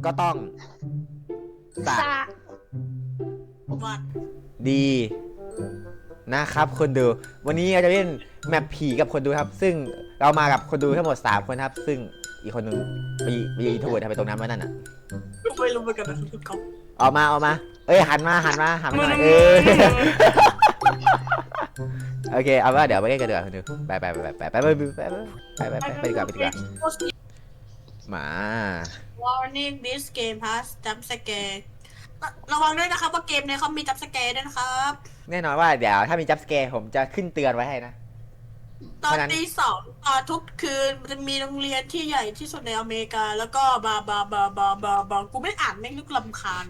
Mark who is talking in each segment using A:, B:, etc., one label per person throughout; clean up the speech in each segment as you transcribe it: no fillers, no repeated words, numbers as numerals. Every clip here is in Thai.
A: ก็ต้องสะ
B: สะ
C: วัด
A: ดีนะครับคนดูวันนี้เราจะเล่นแมปผีกับคนดูครับซึ่งเรามากับคนดูทั้งหมด3คนครับซึ่งอีกคนนึงไปอินโทรเวิร์ดไปตรงนั้นมานั่นอ่ะ
C: ไม่รู้เหมือนกันนะทุกคน
A: ออกมาเอ้ยหันมาหน่อยโอเคเอาว่าเดี๋ยวไปเล่นกันดีกว่าคนดูไปดีกว่ามา
C: Warning this game has jump scare ระวังด้วยนะครับว่าเกมเนี่ยเขามี jump scare ด้วยนะครับ
A: แน่นอนว่าเดี๋ยวถ้ามีจัมป์สแกร์ผมจะขึ้นเตือนไว้ให้นะ
C: ตอนตี 2ทุกคืนมันจะมีโรงเรียนที่ใหญ่ที่สุดในอเมริกาแล้วก็บากูไม่อ่านแม่งนึกลำคาญ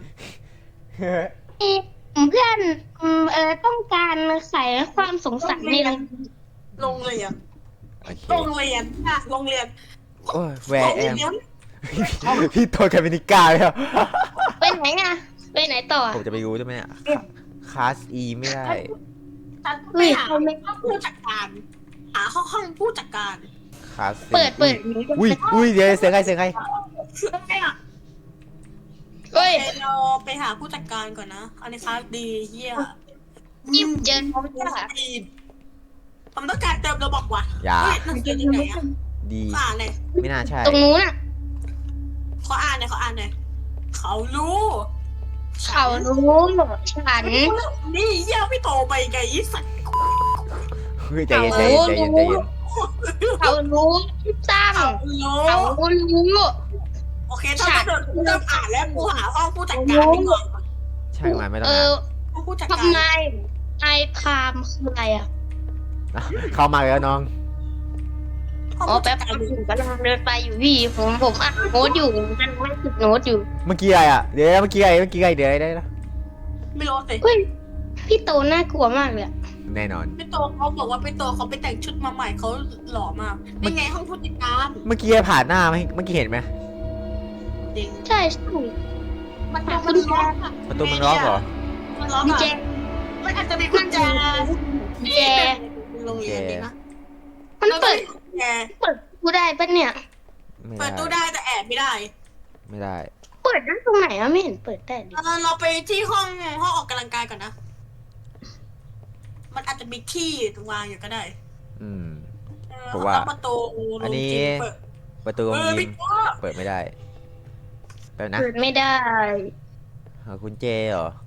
B: เพื่อนต้องการใส่ความสงสัยใน
C: โรงเรียน
A: โอเค
C: โรงเรียนอะโรงเรียน
A: โอ้ยแวร์แอมพี่โทรแคมินิก้าแล้ว
B: ไปไหนอ่ะไปไหนต่อ
A: ผมจะไปรู้ใช่ไหมเนี่ยคลาส E ไม่ได้
C: ฉันไปหาห้องผู้จัดการหาห้องผู้จัดการ
A: คลาส
B: เปิด
A: อุ้ยเดี๋ยวเสียงใคร
B: เฮ้ย
C: เราไปหาผู้จัดการก่อนนะอันนี้ครับดีเยี่ย
B: ยิ้มเจอเขาไม่ได้
C: ผมต้องการเติมระบบว่ะ
A: อย่า
C: เฮ้ยหนังสือที่ไหนอะ
A: ดี
C: ขออ่านเลย
A: ไม่น่าใช่
B: ตรงนู้นอ่ะ
C: ขออ่านเลยเขารู้
B: เขารู้ฉัน
C: นี่เยี่ยพี่โตไปไงอีสัตว์
A: เฮ้ยใจเย็น
B: เขารู้ตั้ง
C: เขารู้
B: เขารู้
C: โอเคถ้าเกิดเริ่มอ่านแล้วกูหาห้องผู้จัดการดีกว่า
A: ใช่ไหมไม่ต้อง
C: ห้องผู้จัดการ
B: ทำไมไอพามคืออะไรอ่ะ
A: เข้ามาแล้วน้อง
C: ห้อง
B: อ๋อ
C: ผู้
B: แป๊
C: จั
B: บ
C: ดการ
B: ผมกำลังเดินไปอยู่พี่ผมอ่านโน้ตอยู่กันไม่ติดโน้ตอยู่
A: เมื่อกี้อะไรอ่ะเดี๋ยวเมื่อกี้อะไรเดี๋ยวได้นะ
C: ไม่รู้สิ
B: เฮ้ยพี่โตน่ากลัวมากเลย
A: แน่นอน
C: พี่โตเขาบอกว่าพี่โตเขาไปแต่งชุดมาใหม่เขาหล่อมากนี่ไงห้องผู้จัดการ
A: เมื่อกี้ผ่านหน้าไหมเมื่อกี้เห็นไหม
C: จริง
B: ใช่
C: มันล็อกอะ
A: ประตูมันล็อกเหรอ
C: มันล็อก
B: มี
C: อะ
B: แจ
C: มันอาจจะมีกุญแจ
B: แจ
C: โรงเรียนดีนะ
B: มันเปิด
C: แจ
B: เปิดกูได้ปะเนี่ย
A: ไม่
C: เปิดตู้
A: ได้
C: ได้แต่แอบไม่ได้
A: ไม่ได้
B: เปิดได้ตรงไหนอะไม่เห็นเปิดได้ดิ
C: เราไปที่ห้องออกกำลังกายก่อนนะ มันอาจจะมีที่วางอยู่ก็ได้
A: อืม
C: เออ
A: เพราะว่า
C: ประตู
A: อันนี้
C: เปิด
A: ประตูโรงยิ
C: พี่
A: ม
C: โต
A: เปิดไม่ได้แป๊บนะ
B: เปิดไม่ได้
A: หากุญแจเหรอ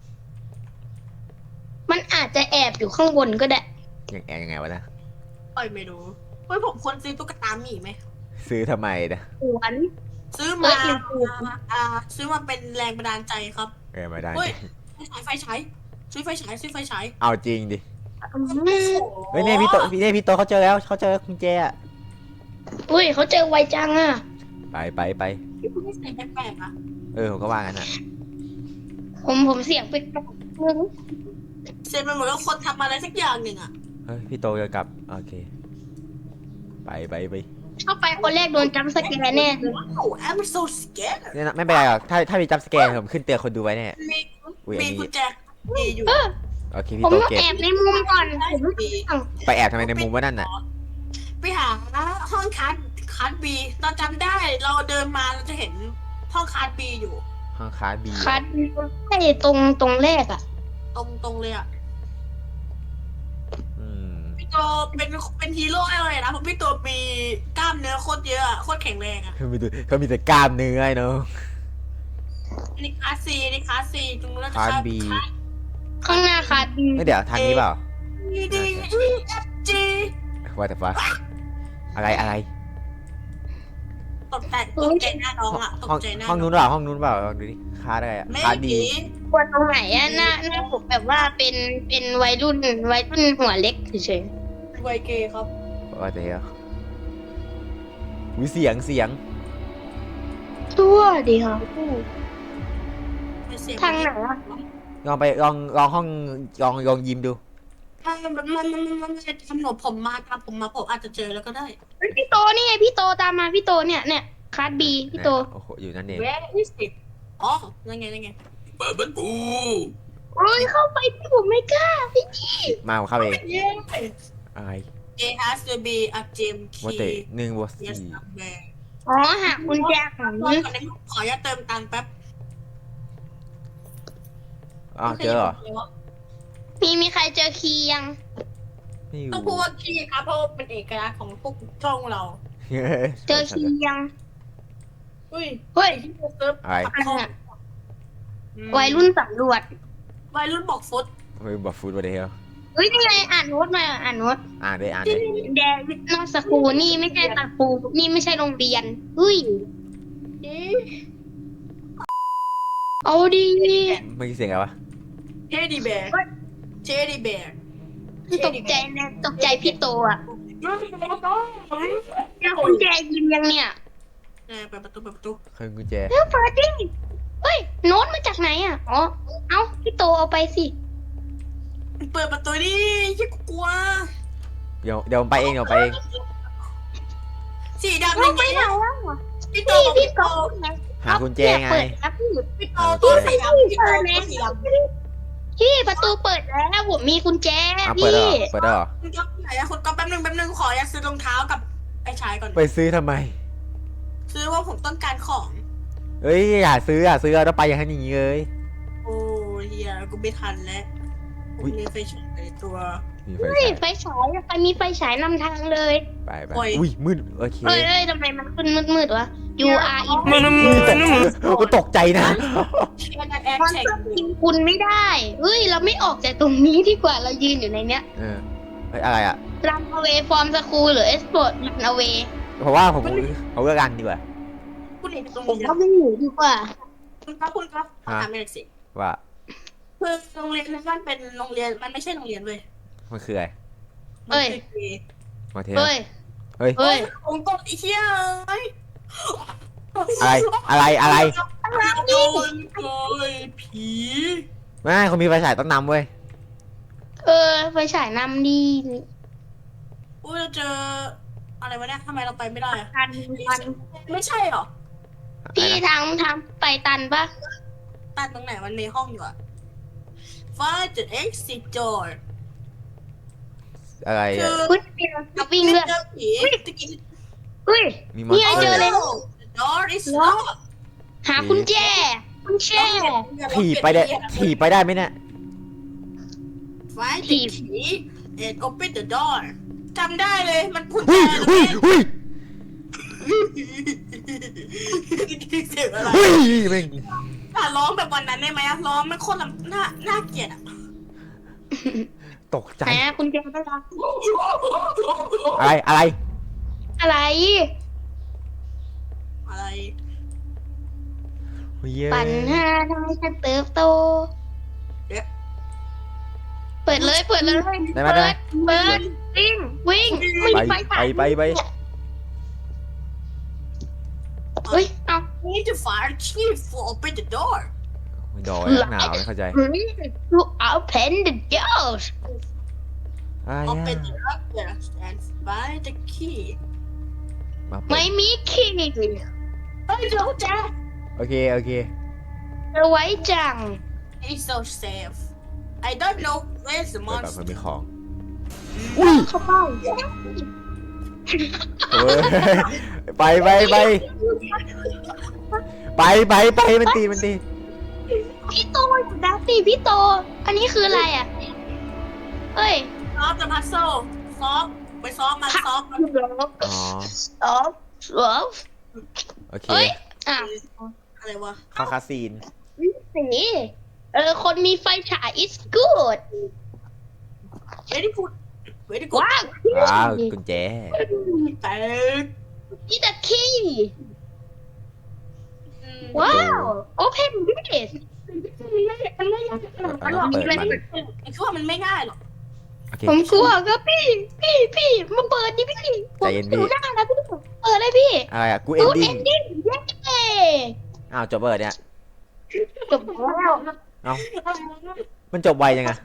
B: มันอาจจะแอบอยู่ข้างบนก็ได้
A: ยังไงวะนะ
C: ปล่อยไม่รู้เฮ้ยผมควรซื้อตุ๊กตาหมีไหม
A: ซื้อทำไมนะ
B: สวน
C: ซื้อมาซื้อมาเป็นแรงบันดาลใจครับ
A: ไม่ได้
C: เฮ้ยไฟฉายซื้อไฟฉาย
A: เอาจริงดิเฮ้ยเนี่ยพี่โตเขาเจอแล้วเขาเจอกุญแจอะ
B: อุ้ยเขาเจอไวจังอะ
A: ไป
C: ไม่ใส่แปลกๆอะ
A: ผมก็ว่างั้นอ่ะ
B: ผมเสียงไปกนึง
C: เซนมันเหมือนกับคนทำอะไรสักอย่างหนึ่งอะ
A: เฮ้ยพี่โตจะกลับโอเคไป
B: เข้าไปคนแรกโดนจัมป์สแกร์แน่เลย
C: ว้าว I'm so scared
A: เนี่ยนะไม่เป็นไรหรอกถ้ามีจัมป์สแกร์ผมขึ้นเตือนคนดูไว้แน่
C: มี
A: อุ้ยอัน
C: มี
A: นี้
C: กุญแจมีอยู่
A: โอเค
B: ผ
A: พี่
B: ม
A: โต
B: ต้อง
A: เก็บ
B: แอบในมุมก่อนผม
C: มี
A: ไปแอบทำไมในมุมว่านั่นน่ะ
C: ไปหาห้องคัสบีเราจำได้เราเดินมาเราจะเห็นห้องคัสบีอยู่
A: ห้องคาร์บี
B: คัดไอ้ตรงแรกอะ
C: ตรงเลยอะ
A: อืม
C: พี่โตเป็นฮีโร่อะไรนะเพราะพี่โตมีกล้ามเนื้อโคตรเยอะอะโคตรแข็งแรงอะ
A: เขามีแต่กล้ามเนื้อไอ้เนาะ
C: นี่คลาสซีตรงนู้นน่าจะ
A: คาร์บี
B: ข้างหน้าคัด
A: ไม่เดี๋ยวทางนี้เปล่า
C: ดีจี
A: ว่าแต่ฟ้าอะไร
C: ตกใจหน้าน้องอะตกใจหน้า
A: ห้องนู้นเปล่าลองดูดิคาร์อะไรอะ
C: ไม่
A: คาร์ดี
C: ผี
B: กลัวตรงไหนอะหน้าผมแบบว่าเป็นวัยรุ่นหัวเล็กเฉย
C: ไวเกย์ครับ
A: ว่าแต่วิเสียง
B: ๆตัวดีค่ะ
C: เป็นเสียง
B: ทางไหนอะ
A: ลองไปลองห้องลองยิมดู
C: มันจะทำหนผมมาตามผมมาผมอาจจะเจอแล้วก็ได้
B: เฮ้ยพี่โตนี่ไงพี่โตตามมาพี่โตเนี่ยคัดบีพี่โต
A: โอ้โหอยู่นั่นเอง
C: Where is it อ๋อนั่นไงเปิดประตู
B: โอ้ยเข้าไปพี่ผมไม่กล้าพี่
A: มาผมเข้าเอง
C: เย้
A: อะไร
C: It has to be a gym
A: ว่าแต่
C: key
A: 1 บวก
C: yes
A: 4
C: somewhere
B: อ๋อหากุญแจของ
C: รอก่อนนะขออย่าตเติมตังค์แป๊บ
A: อ้าวเจอเหรอ
B: มีใครเจอคีย์ยัง
A: ไม่อยู่
C: ต้องพูดว่าขี้ครับเพราะว่าเป็นเอกลักษณ์ของพวกช่องเรา
B: เจอคีย์ยัง
C: อุ้ย
B: เฮ้ย
C: ที่เราเซิร์ฟ
A: อะไร
C: ขับห้อง
B: วัยรุ่นสำรวจ
C: วัยรุ่นบอกฟุต
A: เฮ้ยบอกฟูดมาเดียว
B: เฮ้ยนี่ไงอ่านโน้ตมาอ่านโน้ต
A: อ่านได้อ่านได้
B: แดวิดนอสคูนี่ไม่ใช่สคูนี่ไม่ใช่โรงเรียนเฮ้ยเอาดี
A: ไม่คิดเสียงอะไรวะ
C: เทดดี้แบร์เทดดี้แบร์
B: ตกใจนะตกใจพี่โตอ่ะเจอกุญแจยิมยังเนี่ย
C: เปิดประตู
A: เครื่องกุญแจ
B: เฮ้ยเฟิร์สดิเฮ้ยโน้ตมาจากไหนอ่ะอ๋อเอ้าพี่โตเอาไปสิ
C: เปิดประตูดิยิ่งกลัว
A: เดี๋ยวผมไปเองเดี๋ยวผมไปเอง
C: สีดำ
B: เอา
C: ยัง
B: ไป
C: ไง
B: ไหน
C: อะ
B: แล้ว
C: พี่โต
B: พี่
C: บอก
B: พี่
C: พี่
B: โต
C: โต
A: หากุญแจไง
B: เปิดแล้วพี่
C: พี่โตตัวสีดำพี่โตตัวสีดำ
B: พี่ประตูเปิดแล้วผมมีกุญแจ
A: อ่ะเปิด
B: พี่
A: แล้วเหรอเปิดแล้วเหรอ
C: คุณก๊อฟไหนอะคุณก๊อฟแป๊บนึงขออยากซื้อรองเท้ากับไอ้ชายก่อน
A: ไปซื้อทำไม
C: ซื้อว่าผมต้องการของ
A: เอ้ยอย่าซื้อแล้วไปอย่างนี้เลย
C: โอ้เฮียกูไม่ทันแล้ว
A: อุ๊ย
C: มีไฟฉายในตัว
A: มีไฟ
B: เฮ้ย
A: ฉาย
B: ไฟฉายใครมีไฟฉายนำทางเลย
A: ไป
C: โอ้ย
A: อุ้ยมืดโอเค
B: เอ้ยทำไมมันขึ้นมืดๆวะ You are in
A: กูตกใจนะ
C: เชียร์แอร์
B: มัน
C: แข่ง
B: ก็กินคุณไม่ได้เฮ้ยเราไม่ออกจากตรงนี้ดีกว่าเรายืนอยู่ในเนี้ย
A: เออเฮ้ยอะไรอ่ะ
B: Run away from school หรือ Export Run away
A: เพราะว่าผมเอาเลือกกันดีกว่า
C: คุณเห็นตรง
B: ผม
C: นี้
B: ก็ไม่หนีดีกว่า
C: คุณครับถามหน่อยสิ
A: ว่า
C: คือโรงเรียนนั้นมันเป็นโรงเรียนมันไม่ใช่โรงเรียนเว้ย
A: มันคืออะไร
C: มันคือเกย์
A: มาเทส
B: เฮ้ย
A: เฮ้ย
B: เฮ้ย
C: ผมกดไอ้เหี้ยเอ้ย
A: อะไร
C: โดนโกยผี
A: ไม่เขามีไฟฉายต้องนำเว้ย
B: ไฟฉายนำดี
C: อุ้ยเราเจออะไรวะเนี่ยทำไมเราไปไม่ได้อะ
B: ทัน
C: ไม่ใช่หรอ
B: พี่ทางไปตันปะ
C: ตัดตรงไหนมันในห้องอยู่อะ Find the exit door
A: อะไร
C: คื
A: อ่ะ
C: อ
B: เฮ้ยมีเราวิ่งเลือด
C: เจอผีตะกี้
B: เฮ้ย
A: มีมอน
B: นี่
A: ส
B: ไง
A: เต
B: เจ
A: อ
B: อ
A: ร์
B: เลย
C: The door is locked
B: หากุญแจกุญแจ
A: ถีบไปได้ไหมเนี่ย
C: Find the key and open the door จำได้เลยมันกุญแจ
A: หุ้ย
C: เสียงอะไร
A: แม่ง
C: ร้องแบบวันนั้นได้ไหมอะร้องไม่โคตรน่าเกลียดอะ
A: ตกใจ
B: ไหนอะกุญแจก็รัก
A: อะไร
B: อะไร
C: อะไร
B: ปัญหาทำให้ฉันเติบโต เปิดเลย เปิดวิ่งไม่มีไฟฉาย
A: ไป
B: เฮ้ยเอา
C: Need to fire chief for open the door
A: ไม่ดอยหนาวไม่เข้าใจ
B: You open the doors
A: อะไร
C: open the door and find the key
B: ไม่มีคีย์
C: เฮ้ยเดี๋ยวแจ๊
A: โอเค
B: เธอไว้จัง
C: It's so safe I don't know where's the
A: เปิดแบบมัน
C: monster
A: มีของ
B: เข้าเป้า
A: เฮ้ยไปมันตี
B: พี่โตอยู่ดัสตี้พี่โต อันนี้คืออะไรอ่ะ เฮ้ย
C: ซอฟต์ the puzzle ซอฟต์ไปซอฟต์มันซอฟต์มัน
A: อ๋อ โอเค
B: เฮ้ยอ่ะ
C: อะไรวะ
A: เข้าคาซีน
B: สีคนมีไฟฉาย is good
C: very good very good
B: ว้าว
A: ว้าวกุญแจ
C: แต่
B: นี่แต่คีย์ว้าว open this
A: เอาเปิดมัน
C: คือว่ามันไม่ง่ายหรอก
A: โอเค
B: ผมกลัวก็พี่มาเปิดดิพี่
A: ใจเย็นพี่
B: ดูหน้าแล้วพี่เปิดเลยพี่
A: อะไรอ่ะกูเอนดิ้ง
B: ending เย้
A: อ้าวจบเปิดเนี่ย
B: จบแล้ว
A: เอ้ามันจบไวยังไง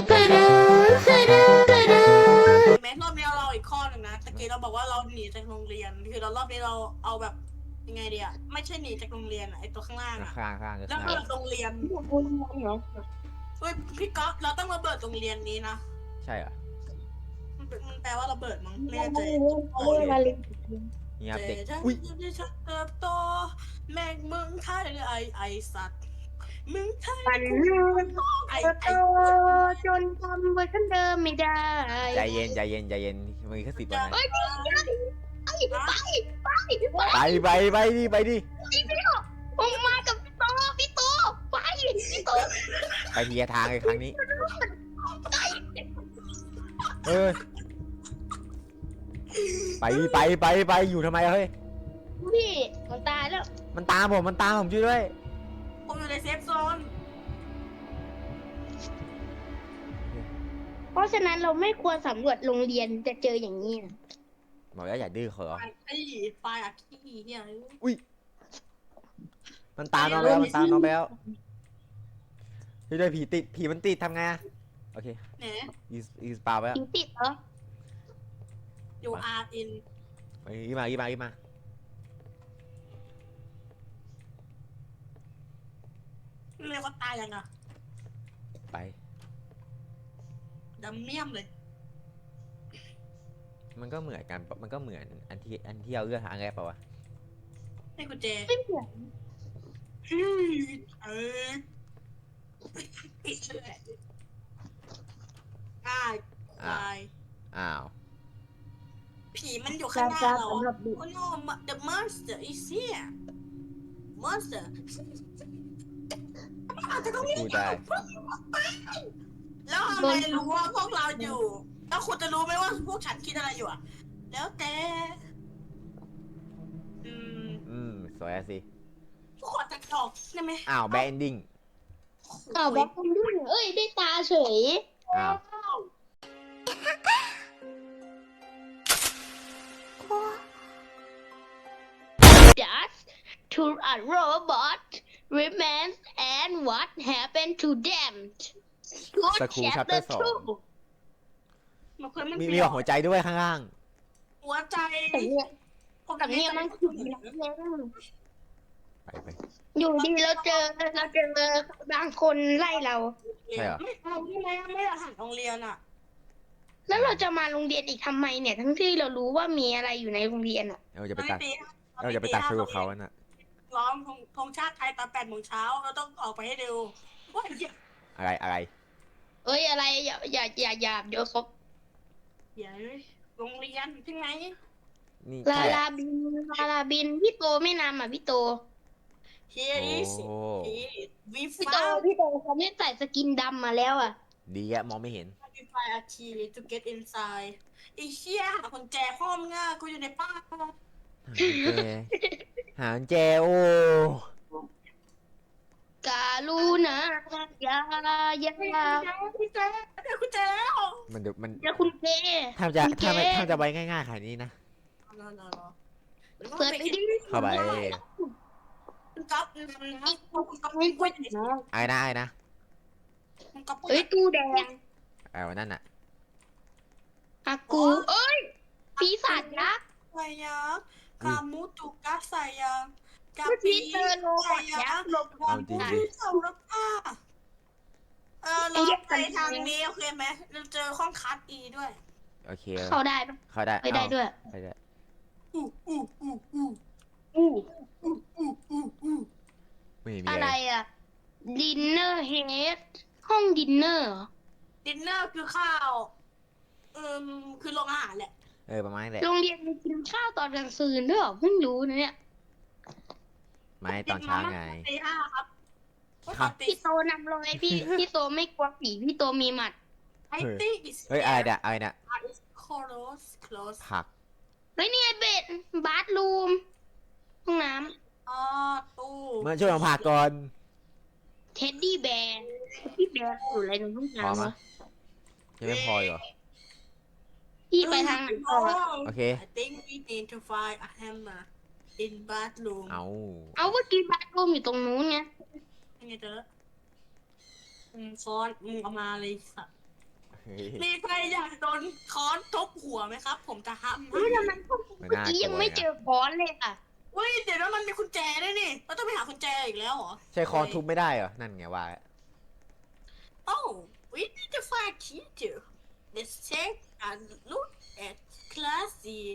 C: แม้รอบนี้เราอีกข้อหนึ่งนะตะกี้เราบอกว่าเราหนีจากโรงเรียนคือเรารอบนี้เราเอาแบบยังไงดีอะไม่ใช่หนีจากโรงเรียนอะไอตัวข้างล่างอะ
A: ข้างก็
C: แล้ว
A: ข้าง
C: เบิดโรงเรียนเฮ้ยพี่ก๊อฟเราต้องระเบิดโรงเรียนนี้นะ
A: ใช่เหรอ
C: มันแปลว่าระเบิดมั้งไม่แน่ใจ
B: มาเลย
A: นี่ครับ
C: แต่
A: เด็ก
C: ฉัน
A: อุ้ย
C: ที่ฉันเติบโตแม่งมึงไทยไอสัตว์มึงไทย
B: ปัน
C: กู
B: ลูก
C: ไอ
B: โตจนทำเวอร์ชันเดิมไม่ได้
A: ใจเย็นใจเย็นใจเย็นมือแค่10 วันนะ
B: เอ้ยนี่ไอ้ไปไป
A: ไปดิไปดิ
B: ผมมากับพี่โตไปพี่โต
A: ไปทีละทางเลยครั้งนี้เออไปอยู่ทำไมอะเฮ้ย
B: พี่มันตายแล้ว
A: มันตามผมช่วยด้วย
C: ผมอยู่ในเซฟโซน
B: เพราะฉะนั้นเราไม่ควรสำรวจโรงเรียนจะเจออย่างนี้นะ
A: บอกแล้วอย่าดื้อเขาเหรอ
C: ไฟอัดขี้เนี่ย
A: อุ้ยมันตามน้องแล้วมันตามน้องแล้วช่วยด้วยผีมันติดทำไงอะโอเค
C: เนี่ย
A: อีสปาไปแล้ว
B: ยิงติดเหรอ
C: อยู่อาร์อิน
A: อีมา
C: เรียกว่าตายยังอ่ะ
A: ไป
C: ดำเมี่ยมเลย
A: มันก็เหมือนกันมันก็เหมือนอันที่เราเลือกทางแรกเปล่าวะ
C: ให้กุญแจ
B: ไม่เหมือน
C: เอออ่าตาย
A: อ้าว
C: ผีมันอยู่ข้างหน้าเรา
B: สำหรับเด็ก
C: โอ้ no the monster is here monster แต่ก็ไม่
A: พูดได้
C: แล้วทำไมรู้ว่าพวกเราอยู่ แล้วคุณจะรู้ไหมว่าพวกฉันคิดอะไรอยู่อ่ะ แล้วแต่
A: สวยอะสิ
C: ทุกคนตัดออกได้ไหม
A: อ้าวแบนดิ้ง
B: อ้าวแบ็คคนด้วยเอ้ยได้ตาเฉย
A: อ้าว
B: just to a robot remains and what happened to them Good
A: สกูชัปเตอ
B: chapter
A: ร์ 2
C: มันเคยมัน
A: มี
C: เปลี่ย
A: แบ
C: น
A: บหัวใจด้วยข้างล่าง
C: หัวใจ
B: แต่เนี่ย
C: ผม
B: แต่เนี่ยมันขุดแล้ว
A: ไป
B: อยู่ดีเราเจอบางคนไล่เรา
A: ใช่เหรอ
C: ไม่เอาใช่ไหมไม่อาหารโรงเรียนอ่ะ
B: แล้วเราจะมาโรงเรียนอีกทำไมเนี่ย ทั้งที่เรารู้ว่ามีอะไรอยู่ในโรงเรียนอ่ะ
A: เราจะไปตัดฟิวเขาอะน่ะ
C: ร้องธงชาติไทยตอน8 โมงเช้าเราต้องออกไปให้เร็วว่าเหี้ย
A: อะไร
B: เอ้ยอะไรอย่าเดี๋ยวเขา
C: เดี๋ยวโรงเรียนใช่ไหม
A: นี่
B: ลา
A: ใช่
B: ลาบินพี่โตไม่นำอ่ะพี่โต
C: Here is
A: โอ้
C: we
B: พี่โต
C: found
B: เขาไม่ใส่สกินดำมาแล้วอ่ะ
A: ดีอะมองไม่เห็น
C: we find a key to get inside ไอ้เชี่ยหากุญแจห้องง่ากูอยู่ในป้าน
A: หากุญแจโอ้
B: กาลูนะอย่า
C: กุญแจกุญแจแล้ว
A: มันเดี๋ยวมัน
B: อย่าคุณเก
A: ถ้าจะไว้ง่ายๆขนาดนี้นะ
B: เปิดไปดิ
A: เข้าไป
C: คุณก๊อฟนะคุณก๊อฟไม่กล้วยไหน
A: ไอ้นะ
C: คุณก๊อฟ
B: เอ้ยตู้แดง
A: ไอ้วันนั่นน่ะ
B: อากูเอ้ยปีศาจยักษ์
C: ไซยากามูตุกะไซยากา
B: เมื่อ
C: ปี
B: กี้เจอโลบอทยักษ์โลบอ
A: เอา
B: ท
A: จริง
B: ยัก
A: ดิ
B: ษ์
C: เสาแล้วค่ะเราไปทางนี้โอเคไหมเราเจอห้องคัสอีด้วย
A: โอเค
B: เข้าได้ปะ
A: เข้าได้
B: ไปได้ด้วย
A: ไปได้
C: อู้อู้อู้อู้
B: อู้
C: อู้อู้อู้อู้
A: ไม่มี
B: อะ
A: อะไร ไร
B: อ่ะดินเนอร์เฮดห้องดินเนอร์
C: ดินเนอร์คือข้าวคือโรงอาหารแหละ
A: ประมาณนี้แหละ
B: โรงเรียนมีกินข้าวตอนกลางคืนด้วยเหรอเพิ่งรู้นะเนี่ย
A: ไม่ตอนเช้าไง
C: ตี 5 ครับ
A: ครับ
B: พี่โตนำรอยพี่โตไม่กลัวผีพี่โตมีหมัด
C: ไอตี้อิส
A: เฮ้ยอะไรเนี่ย
C: close
A: ผัก
B: เฮ้ยนี่ไงเบ็ดบาร์รูมห้องน้
C: อ๋อตู้
A: เมื่อช่วยมาผักก่อน
B: ำเท็ดดี้แบร์พี่แบร์อยู่อะไรในห้อง
A: พอ
B: น้ำ
A: มะ
B: วะ
A: ยังไม่พอเหรอ
B: พี่ไปทางไหนต่อวะ
A: โอเค
C: I think we need to find a hammer in bathroom
A: เอา
B: เอาเมื่อกี้บาร์รูมอยู่ตรงนู้นไง
C: ยังไงเจอค้อนเอามาเลยสัตว์
A: เฮ้ย
C: มีใครอยากโดนค้อนทุบหัวไหมครับ ผมจะห้าม
B: เฮ้ยทำไมพวกเมื่อกี้ยังไม่เจอค้อนเลยอ่ะ
C: เฮ้ยเดี๋ยวนั้นมันมีกุญแจด้วยนี่เราต้องไปหากุญแจอีกแล้วเหรอ
A: ใช้คอนทุบไม่ได้เหรอ นั่นไงว่า
C: Oh we need to find key too let's take a look at class C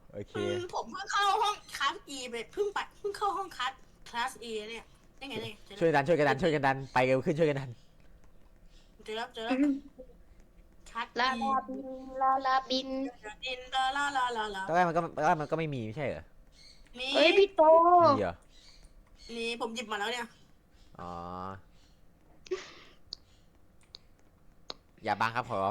A: โอเค
C: ผมเพิ่งเข้าห้องคลาส E ไปเพิ่งเข้าห้องคลาส E เนี่ยได้ไงเนี่ย
A: ช่วยกันดันไปเร็วขึ้นช่วยกันดัน
C: เจอแล้วคลาส
B: ลา
C: E
B: ลาบินลาลาบิน
C: ดินลา
A: ตอนแรกมันก็ไม่มีไม่ใช่เหรอ
C: นี่
B: เฮ้ยพี่โต
A: มีเหรอ
C: นี่ผมหยิบมาแล้วเนี่ย
A: อ๋ออย่าบังครับขอร้อง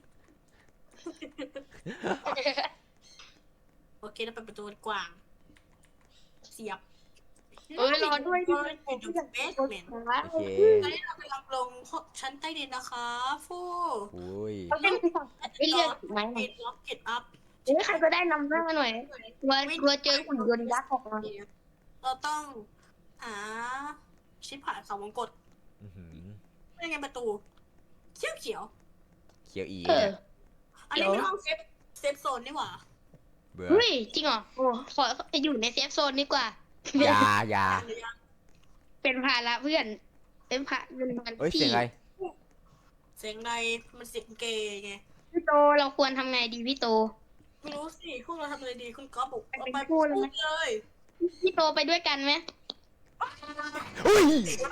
C: โอเคเราไปประตูกว้าง เสียบ
B: เฮ้ยรอด้วยดิ
C: อยู่เบสเมนต์
A: โอเค
C: ตอนนี้เรากำลังลงชั้นใต้ดินนะคะฟู
A: อุ้ย
B: เขาเป็นไม่เรียกไหม
C: ปิดล็อกเก็ตอัพ
B: เฮ้ยใครก็ได้นำหน้าหน่อยกลัวเจอหุ่นยนต์ยักษ์ออกมา
C: เราต้องหาชิปผ่านเขาวงกด
A: อื้อหือ
C: ไม่ไงประตูเขียว
A: เขียวอี
B: เออ
A: เนี่ย
C: อันนี้เป็นห้องเซฟโซนนี่หว่า
A: เบื่อ
B: เฮ้ยจริงเหรอโอ้ขออยู่ในเซฟโซนดีกว่า
A: อย่า
B: เป็นภาระเพื่อน เป็นภาเป็นภาระ
A: เอ้ย
B: พี่
A: เสียงอะไร
C: เสียงใดมันเสียงเกย์ไง
B: พี่โตเราควรทำไงดีพี่โต
C: ไม่รู้สิพวกเราทำอะไรดีคุณก๊อฟบอกเอาไป
B: พู
C: พู
B: ด
C: ด
B: เลยไหม
C: เลย
B: พี่โตไปด้วยกันไหม
A: อุ้ย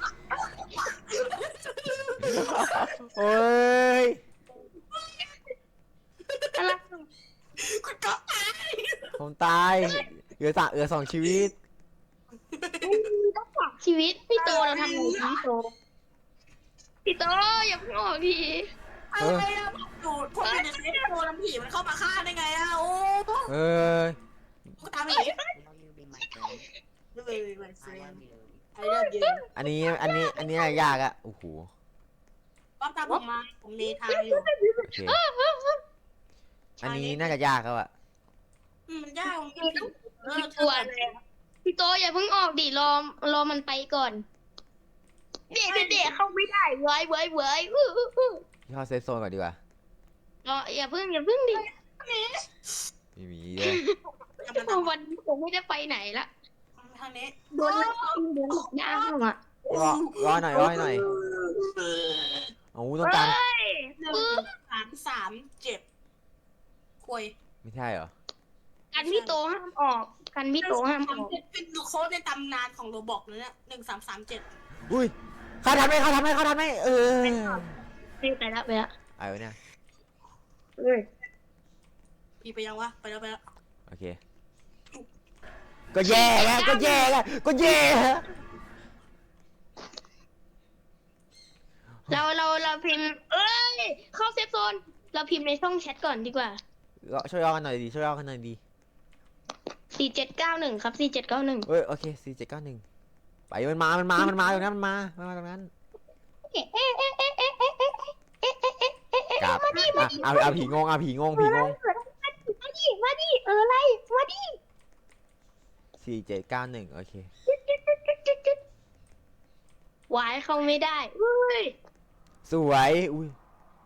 A: โอ้ย
B: อะไร
C: คุณก๊อฟตาย
A: ผมตายเหลือ2ชีวิต
B: ต้องฝากชีวิตพี่โตเราทำไงดีพี่โตพี่โตอย่าเพิ่งออกที
C: อะไรอะผมอยู่ในเซฟโซนน้ำผีมันเข้ามาฆ่าได้ไงอะโอ้
A: เอ้ย
C: กูตามไปอีก
D: Will you be my friend?
C: เลยไปเซ
D: I
C: น
D: love you.
C: ไอเลิฟยู
A: อันนี้ยากอะโอ้โห
C: ก๊อฟตามผมมาผมเนทางอยู่
A: โอเคอันนี้น่าจะยากแล้วอะ
C: มันยากมันไม่ผิด
B: พี่กลัวอะไรอะพี่โตอย่าเพิ่งออกดิรอมันไปก่อนเด็กเข้าไม่ได้เว้ย
A: พี่เข้าเซฟโซนก่อนดีกว่าร
B: ออย่าเพิ่งดิ
A: ไม่มีเลย
B: วันนี้ผมไม่ได้ไปไหนละ
C: ทางนี้
B: โดนหลอกย่างอ่ะ
A: รอหน่อยโอ้ต้องการ
B: เฮ้ย
C: 1 3 3 7คุย
A: ไม่ใช่เหรอ
B: กันพี่โตห้ามออกกันพี่โตห้ามออก
C: เป็นโค้ดในตำนานของโรบอกเลยเนี่ย1 3 3 7
A: อุ้ยเขาทันไหมเออ
B: ไปแล้ว
A: ไอ้วะเนี่ย
B: เอ้ย
C: พี่ไปยังวะไปแล้ว
A: โอเคก็แย่แล้ว
B: เราพิมพ์เอ้ยเข้าเซฟโซนเราพิมพ์ในช่องแชทก่อนดีกว่า
A: ช่วยย่อกันหน่อยดี
B: 4791ครับ4791
A: เอ้ยโอเค4791ไปมันมาตรงนั้นมันมาตรงนั้นกลับเอาผีงง
B: มาดิมาดิอะไรมาดิ
A: 4791โอเคว
B: ายเข้าไม่ได้เฮ้ย
A: สวยอุ้ย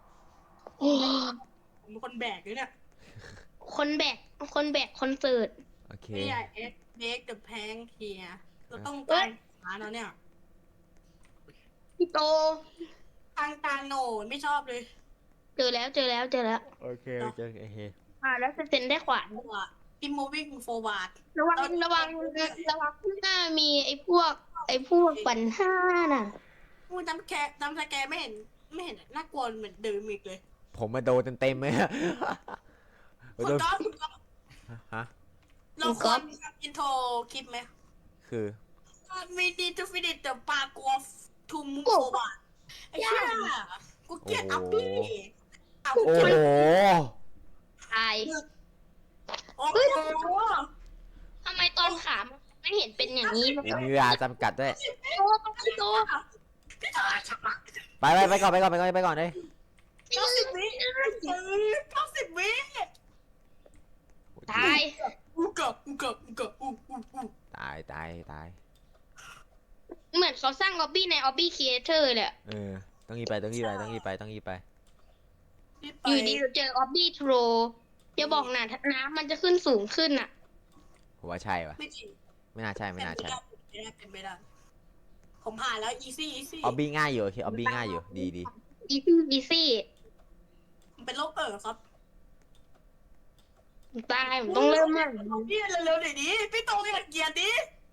C: ผมเป็นคนแบกเลยเนี่ย
B: คนแบกคอนเสิร์ต
A: โอเค
C: ไม่ใช่เด็กเดอะแพงเฮียเราต้องการหาแล้วเนี่ย
B: พี่โต
C: ทางตาโหนไม่ชอบเลย
B: เจอแล้ว
A: โอเคโอเค
B: แล้วเซ็นได้ขวาน
C: ตัวพิม moving forward
B: ระวังข้างหน้ามีไอ้พวกปัญหาน่ะ
C: มูจำสแกไม่เห็นน่ากลัวเหมือนเดิมอีกเลย
A: ผมมาโดนเต็มเลย
C: คุณก๊อฟ
A: ฮะ
C: เราควรทำอินโทรคลิปไหม
A: คือ
C: We need to finish the parkour to move forward ไอ้เหี้ยกูเกลียดอัพปี้เอา
A: โอ้โห
B: ตาย
C: โอ้โห
B: ทำไมตอนขามันไม่เห็นเป็นอย่างนี้
A: มีเวลาจำกัดด้วย
B: พี่โต
A: ไปก่อนเลย
C: 90 วิ90 วิ
B: ตาย
C: กูเกับ
A: ตาย
B: เหมือนเขาสร้างออบบี้ในออบบี้ครีเอเตอร์เลยอะ
A: ต้องยีบไป
B: อยู่ดีเราเจอออบบี้โทรอย่าบอกนะน้ำมันจะขึ้นสูงขึ้นอ่ะ
A: ผมว่าใช่ปะ
C: ไม่จริง
A: ไม่น่าใช่
C: เป็นไม่ได้ผมผ่านแล้ว easy
A: ออบบี้ง่ายอยู่โอเคออบบี้ง่ายอยู่ดี
B: อีซี่
C: มันเป็นโรคครับ
B: ตายผมต้องเริ่มใหม่
C: พี่เร็วๆหน่อยดิพี่โตอย่าเกลียดดิ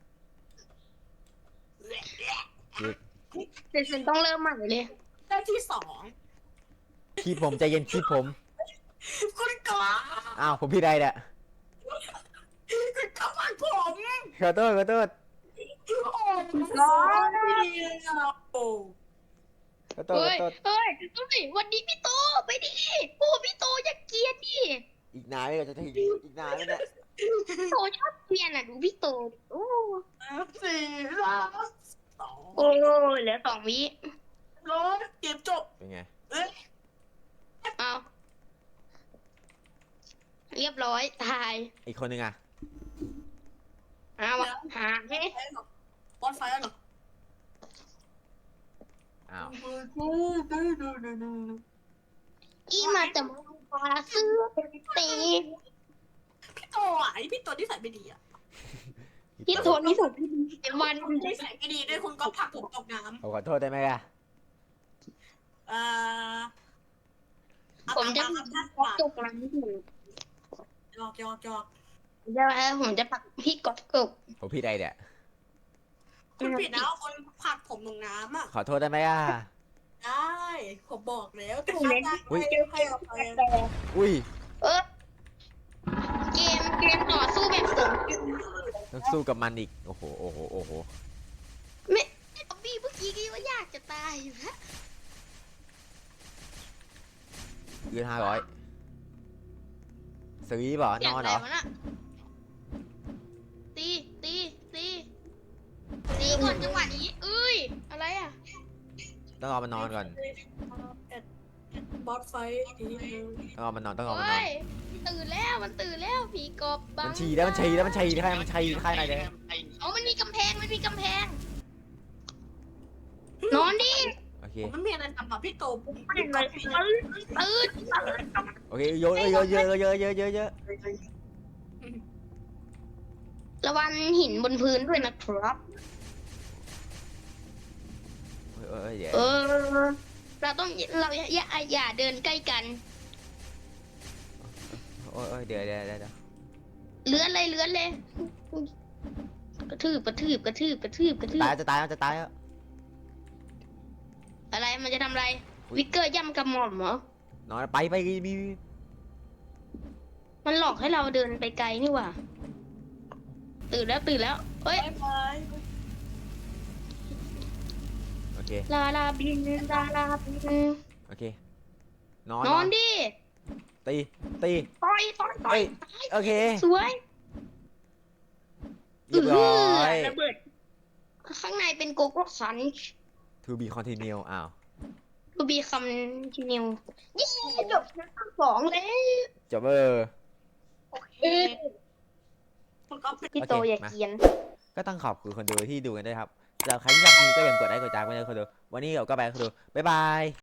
B: เดี๋ยวฉันต้องเริ่มใหม่เลย
C: ได้ที่สอง
A: คีบผมใจเย็นคีบผม
C: คุณกอ
A: อ้าวผมพี่ใดเนี่ย
C: คุณกอฟังผม
A: ขอโทษขอโทษ
C: โอ้ร้อนไม่ดีเลยอะโอ้
A: ขอโทษข
B: เฮ้
A: อย โทษ
B: เฮ้ยวันนี้พี่โตไปดิโอ้พี่โตอย่าเกลียดดิ
A: อีกนานไม่ก็จะถึงอีกนานไหมเนี่ย
B: พี่โตชอบเกลียดอ่ะดูพี่โตโอ้
C: สี่สามสอง
B: โอ้เหลือ2 วิ
C: ร้อยเกมจบ
A: เป็นไง
C: เอ๊ะ
B: เอาเรียบร้อยตาย
A: อีกคนนึงอ่ะ
B: เอาหาให้
C: บอสไฟแล้วเหรอ
A: อ้าว
B: อีมาแต่มาปลาเสื้อตี
C: พี่โตอ่ะไอพี่โตที่ใส่ไม่ดีอ่ะ
B: พี่โตนี่สุดวัน
C: ที่ใส่ไม่ดีด้วยคุณก็ผลักผมตกน้
A: ผมขอโทษได้ไหมล่ะ
C: ำ
B: ผมจะ
C: จ
B: ต
C: บ
B: กน้ำอยู่
C: หยอก
B: ผมจะผลักพี่กบกบ
A: ผมพี่ใดเนี่ย
C: คุณผิดนะคนผลักผมลงน้ำอ่ะ
A: ขอโทษได้ไหมอ่ะ
C: ได้ผมบอกแล้วแต่ถ้าได้ให้อภัย
A: อุ้ย
B: เออเกมต่อสู้แบบผม
A: ต้องสู้กับมันอีกโอ้โหโอ้โหโอ้โห
B: ไม่พี่เมื่อกี้ก็ว่าอยากจะตายอยู่แล้ว
A: เงิน500ซื้อเปล่านอนเหรอ
B: วะน่ะตีก่อนจังหวะนี้เอ้ยอะไรอ่ะ
A: ต้องเอามันนอนก่อน
C: บอสไฟทีนึง
A: ต้องเอามันนอนต้องเอามันนอ
B: เฮ้
A: น
B: ยตื่นแล้วผีกบบัง
A: มันฉี่แล้วมันฉี่แล้วมันฉี่ค่ายมันฉี่ค่ายไหนเลย
B: เอามันมีกำแพงนอนดิ
A: โอเค
C: ผมไม่มีอะไรทำอ่ะพี่โตผม
B: ตื่น
A: โอเคเยอะเยอะเยอะเยอะเยอะเยอะเยอะ
B: ระวังหินบนพื้นด้วยนะครับ
A: เดี๋ยว
B: เราอย่าเดินใกล้กัน
A: โอ้ยเดี๋ยว
B: เลื้อนเลยกระทืบ
A: ตายจะตายจะตายแล้ว
B: อะไรมันจะทำอะไร วิกเกอร์ย่ำกระหม่อมเหรอน
A: อนไปมี
B: มันหลอกให้เราเดินไปไกลนี่หว่าตื่นแล้วเฮ้ย
C: บาย
A: โอเค
B: ลาบิน
A: โอเเคนอน
B: นอนดิ
A: ตี
B: ต่อย
A: เอ้ยโอเค
B: สวย
A: เรียบร้อย
B: ระเบิดข้างในเป็นโกโก้ซัน
A: to be continue อ้าว
B: ทูบีคำทีนิวยี่จบ2แล้ว
A: จบ
C: โอเคคุณก็เป็น
B: พี่โตอย่าเกรียน
A: ก็ต้องขอบคุณคนดูที่ดูกันด้วยครับสำหรับใครที่ชอบคลิปก็อย่าลืมกดไลค์กดติดตามกันด้วยคนดูวันนี้เราก็ไปคนดูบ๊ายบาย